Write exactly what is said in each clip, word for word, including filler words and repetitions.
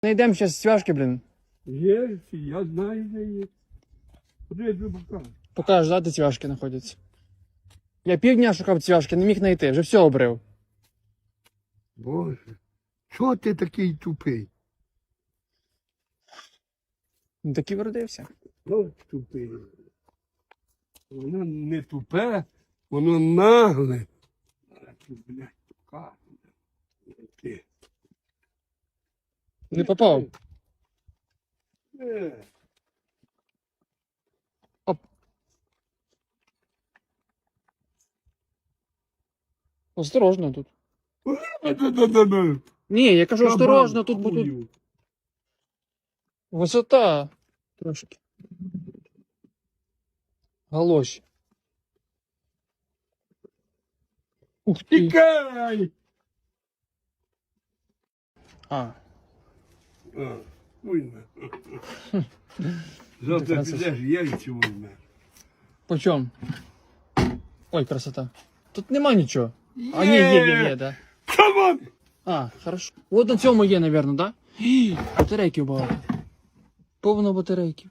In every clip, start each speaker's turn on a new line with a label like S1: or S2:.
S1: Найдемо зараз цвяшки, блін.
S2: Є, я знаю, де є. Куди я тобі покажу?
S1: Покажеш, да, де цвяшки знаходяться. Я півдня шукав цвяшки, не міг знайти, вже все обрив.
S2: Боже, чого ти такий тупий?
S1: Ну так і вродився.
S2: От тупий. Воно не тупе, воно нагле. А ти, блядь, тука. Ти.
S1: Не попав.
S2: Е.
S1: Осторожно тут.
S2: Да-да-да-да.
S1: Ні, я кажу, осторожно, тут
S2: Кабан,
S1: будуть.
S2: хую.
S1: Висота. Трошки. Галоші. Ух ти.
S2: Тікай!
S1: А.
S2: А, уйме. Завтра підеш яйця візьме.
S1: По чому? Ой, красота. Тут нема нічого. А, ні, є, є, є, да.
S2: Камон!
S1: А, хорошо. От на цьому є, напевно, да? Гі, батарейків багато. Повно батарейків.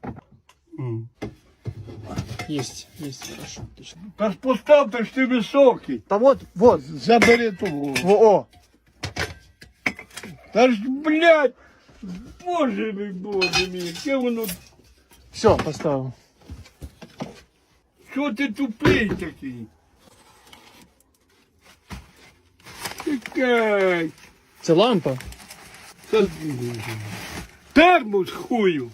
S1: Єсть, єсть, хорошо, отлично.
S2: Та ж постав, ти ж ти високий.
S1: Та вот, вот.
S2: Забери того.
S1: Во, о.
S2: Та ж, блядь, боже мій, боже мій, яке воно,
S1: Все, поставив.
S2: що ти тупий такий? Тікай.
S1: Це лампа.
S2: Це термос хую.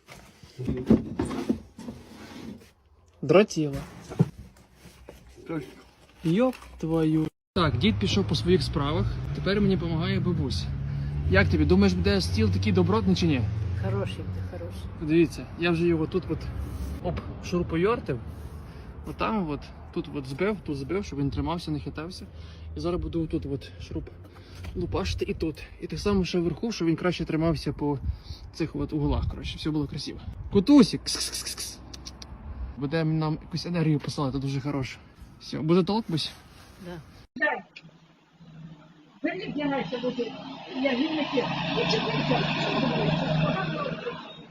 S1: Дротіла.
S2: Та ж,
S1: Йоп твою. Так, дід пішов по своїх справах, тепер мені допомагає бабуся. Як тобі, думаєш, буде стіл такий добротний чи ні?
S3: Хороший ти, хороший.
S1: Дивіться, я вже його тут от оп, шурупойортив. Отам от, тут от збив, тут збив, щоб він тримався, не хитався. І зараз буду тут от шуруп лупашити і тут. І так само ще вверху, щоб він краще тримався по цих от углах, коротше, все було красиво. Кутусік! Кс-кс-кс-кс. Буде нам якусь енергію посилати, дуже хороше. Все, буде толк, бусь?
S3: Да.
S4: Беріть, я наче буде, я гінники. Ну, чекайте, що ти боїшся?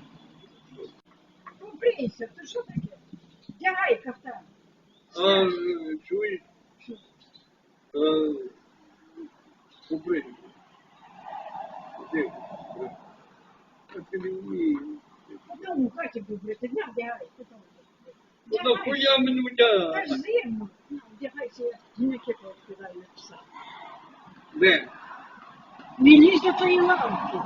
S4: Ну, брійся, ти що таке? Дягай кафтан.
S2: а, чуєш? А, Побрий. Де? А ти не вмієш.
S4: Ну, у хаті був брити, дня вдягай.
S2: Ну, нахуя мене
S4: Та
S2: вдягати?
S4: ж зимно. Ну, вдягайся, гінники розкидаю написав.
S2: Де?
S4: Не лізь до тої лампи.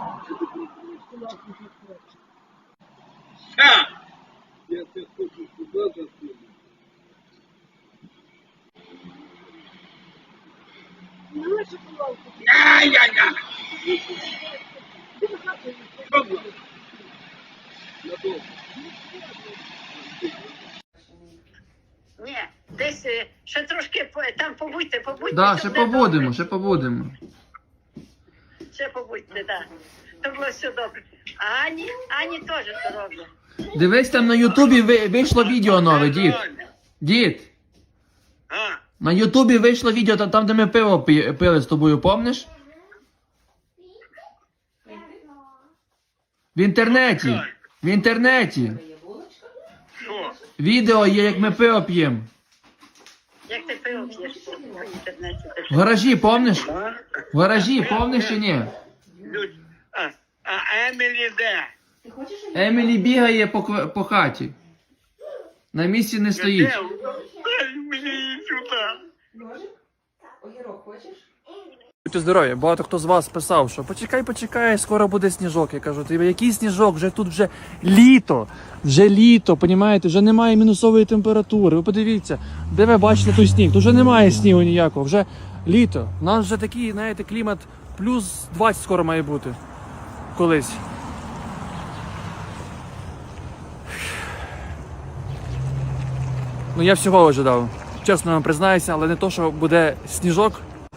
S2: Ша! Я тебе хочу сюди засунути.
S4: Ну, лише по лампу.
S2: Ай-яй-яй!
S4: Ти в хату не
S2: Що було? Я добре.
S3: Ні, десь е, ще трошки по- там побудьте, побудьте.
S1: Да,
S3: то
S1: ще
S3: буде
S1: побудемо,
S3: добре.
S1: ще побудемо.
S3: Ще побудьте, так. Да. То було все добре. А Ані, Ані теж це роблю.
S1: Дивись, там на Ютубі ви- вийшло відео нове, дід. Дід.
S2: А,
S1: На Ютубі вийшло відео там, там де ми пиво пі- пили з тобою, помниш? В інтернеті. В інтернеті.
S2: що?
S1: Відео є, як ми пиво п'ємо.
S3: Як ти пиво п'єш по по інтернеті? ти
S1: В
S3: що?
S1: гаражі, помниш? В гаражі, помниш чи ні?
S2: Люд- А, а Емілі де?
S1: Емілі бігає по, кв- по хаті. На місці не стоїть.
S2: Де? Дай мені її сюди.
S1: Будьте здорові, багато хто з вас писав, що почекай, почекай, скоро буде сніжок. Я кажу, ти який сніжок? Вже тут вже літо, вже літо, понімаєте, вже немає мінусової температури. Ви подивіться, де ви бачите той сніг? Тут вже немає снігу ніякого, вже літо. У нас вже такий, знаєте, клімат плюс двадцять скоро має бути. Колись. Ну я всього ожидав. Чесно вам признаюся, але не то, що буде сніжок.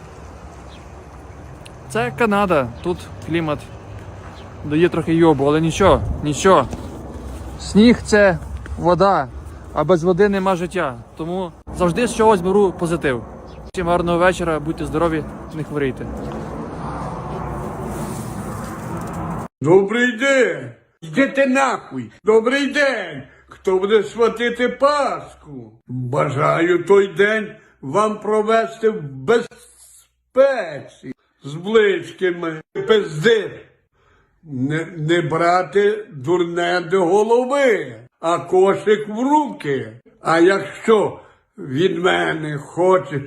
S1: Це Канада, тут клімат дає трохи йобу, але нічого, нічого. Сніг – це вода, а без води нема життя. Тому завжди з чогось беру позитив. Всім гарного вечора, будьте здорові, не хворійте.
S2: Добрий день! Йдете нахуй! Добрий день! Хто буде святити Пасху? Бажаю той день вам провести в безпеці з близькими. Пизди! Не, не брати дурне до голови, а кошик в руки. А якщо від мене хочеш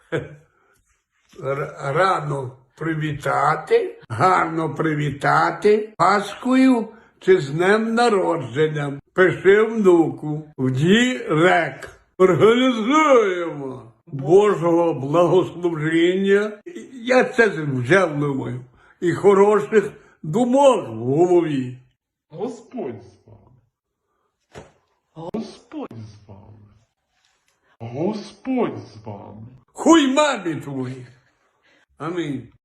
S2: р- рано привітати, гарно привітати Пасхою чи з днем народженням, пиши внуку в дірект. Організуємо Божого благословення. Я це вже думаю. І хороших думок в голові.
S5: Господь з вами. Господь з вами. Господь з вами.
S2: Хуй мамі твої. Амінь.